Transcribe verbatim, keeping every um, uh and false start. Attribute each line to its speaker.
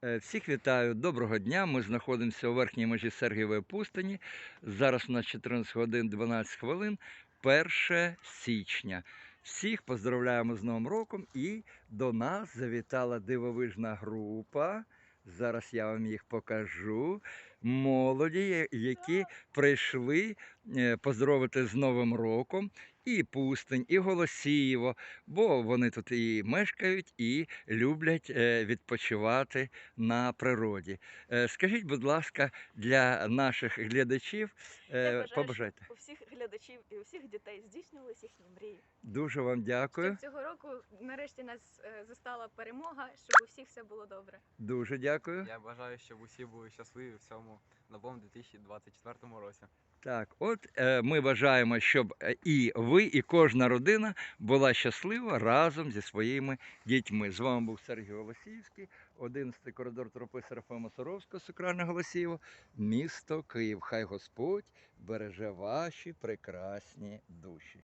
Speaker 1: Е, Всіх вітаю, доброго дня. Ми знаходимося у верхній межі Сергієвої пустині. Зараз у нас чотирнадцять годин дванадцять хвилин, перше січня. Всіх поздравляємо з Новим роком і до нас завітала дивовижна група. Зараз я вам їх покажу. Молоді, які прийшли е, поздоровити з Новим роком і Пустинь, і Голосіїво, бо вони тут і мешкають, і люблять е, відпочивати на природі. Е, Скажіть, будь ласка, для наших глядачів,
Speaker 2: Я
Speaker 1: е,
Speaker 2: бажаю, щоб
Speaker 1: побажайте.
Speaker 2: у всіх глядачів і у всіх дітей здійснювалися їхні мрії.
Speaker 1: Дуже вам дякую.
Speaker 2: Щоб цього року нарешті нас е, застала перемога, щоб у всіх все було добре.
Speaker 1: Дуже дякую.
Speaker 3: Я бажаю, щоб усі були щасливі в цьому новому дві тисячі двадцять четвертому році.
Speaker 1: Так, от е, ми бажаємо, щоб е, і ви, і кожна родина була щаслива разом зі своїми дітьми. З вами був Сергій Голосіївський, одинадцятий коридор тропи Серафима Саровського, Сокральне Голосіїво, місто Київ. Хай Господь береже ваші прекрасні душі.